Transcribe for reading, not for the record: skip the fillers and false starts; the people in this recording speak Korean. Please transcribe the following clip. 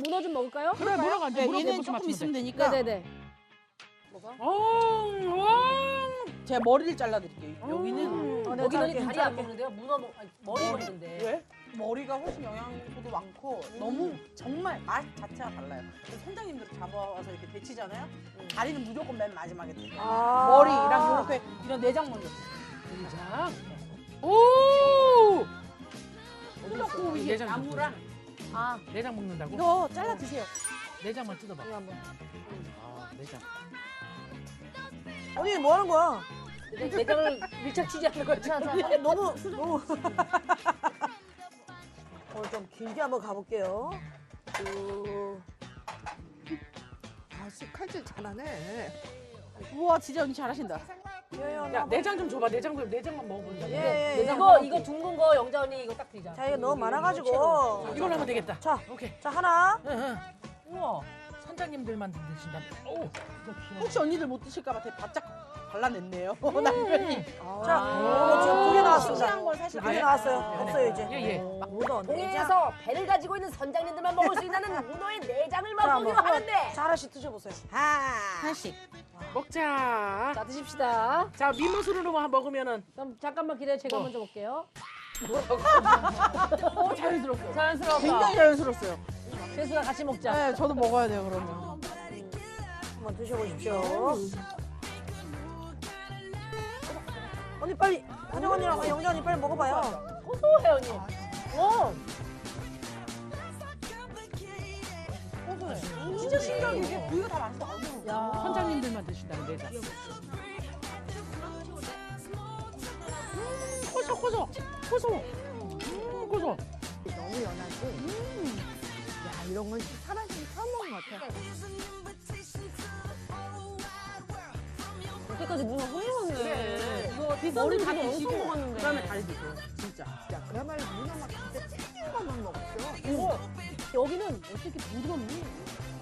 문어 좀 먹을까요? 그래, 문어가 이제 문어 얘는 고기 조금 맞추면 있으면 돼. 되니까. 네네네. 제가 머리를 잘라드릴게요. 여기는 내가 여기는 자를게, 다리 안 먹는데요? 문어 아니, 머리 먹는데. 왜? 머리가 훨씬 영양소도 많고 너무 정말 맛 자체가 달라요. 그래서 선장님들 잡아와서 이렇게 데치잖아요. 다리는 무조건 맨 마지막에 드세요. 머리랑 이렇게 이런 내장 먼저. 내장. 오! 뜯었고 이게 내장 나무랑 아, 내장 먹는다고? 이거 잘라 드세요. 내장만 뜯어봐. 이거 한번. 아, 내장. 언니 뭐 하는 거야? 내장을 밀착 취재하는 거야. 자, 자. 너무 좀 길게 한번 가볼게요. 아씨 칼질 잘하네. 우와 진짜 언니 잘하신다. 야, 내장 좀 줘봐. 내장만 먹어본다. 예, 예. 이거 둥근 거 영자 언니 이거 딱 드리자. 자 이거 너무 많아가지고. 이걸로 하면 되겠다. 자, 오케이. 자 하나. 응, 응. 우와, 선장님들만 드신다. 오, 혹시 언니들 못 드실까봐 되게 바짝 발라냈네요. 남편이. 자, 이거 지금 두 개 나왔습니다. 싱싱한 걸 사실 두 개 나왔어요. 없어요 이제. 예, 예. 문어 내장. 동해에서 배를 가지고 있는 선장님들만 먹을 수 있는 문어의 내장을 자, 맛보기로 한번. 하는데. 자 하나씩 드셔보세요. 하나씩. 먹자. 자, 드십시다. 자, 미모술로 먹으면은 그럼 잠깐만 기다려. 제가 먼저 볼게요. 자연스럽고. 자연스럽다. 굉장히 자연스러웠어요. 재수가 같이 먹자. 네, 저도 먹어야 돼요 그러면. 한번 드셔보십시오. 언니 빨리 한영 언니랑 영자 언니 빨리 먹어봐요. 고소해 언니. 진짜 신기하게 이게 부위가 다 맛있어. 야. 선장님들만 드신다는 내장. 고소, 고소, 고소. 고소. 너무 연하지. 야 이런 건 살아있는 처음 먹는 것 같아. 여태까지 문어 훌륭하네. 이거 비싼 머리 다 분들이 드시고 엄청 먹었는데. 그다음에 다리 드세요. 진짜. 야 그야말로 문어 막 진짜 찔찔 것만 먹었어. 여기는 어떻게 부드럽니?